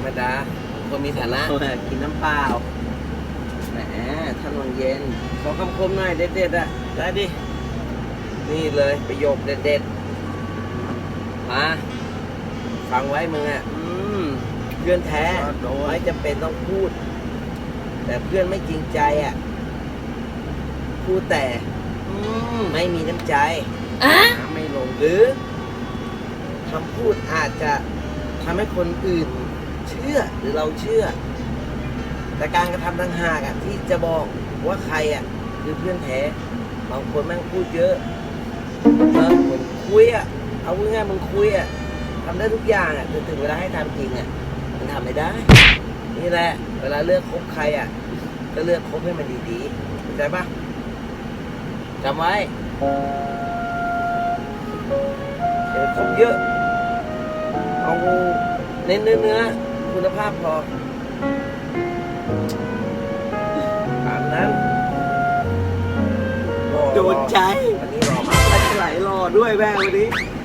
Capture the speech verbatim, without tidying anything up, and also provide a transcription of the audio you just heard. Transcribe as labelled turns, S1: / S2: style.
S1: รมดาคนมีฐานะ
S2: กินน้ำเปล่าแหมถนนเย็น
S1: ขอคำคมหน่อยเด็ดๆอ่ะได้ดินี่เลยประโยคเด็ดๆมาฟังไว้มึงอ่ะ
S2: อืม
S1: เพื่อนแท้
S2: โดน
S1: ไม่จำเป็นต้องพูด แต่เพื่อนไม่จริงใจอ่ะพูดแต่
S2: อืม
S1: ไม่มีน้ำใจ
S2: น้ำไม่ลง
S1: หรือคำพูดอาจจะทำให้คนอื่นเชื่อหรือเราเชื่อ แต่การกระทำต่างหากอ่ะที่จะบอกว่าใครอ่ะคือเพื่อนแท้บางคนแม่งพูดเยอะเออเหมือนคุยอ่ะเอาง่ายๆมึงคุยอ่ะทำได้ทุกอย่างอ่ะแต่ถึงเวลาให้ทำจริงอ่ะมันทำไม่ได้ นี่แหละ เวลาเลือกคบใครอ่ะก็เลือกคบให้มันดีๆเข้าใจปะจำไว้เดี๋ยวคบเยอะเอาเน้นเนื้อเนื้อคุณภาพพอตามนั้นรอ
S2: โดนใจ
S1: วันนี้รอมา
S2: ไหลรอด้วยแม่วันนี้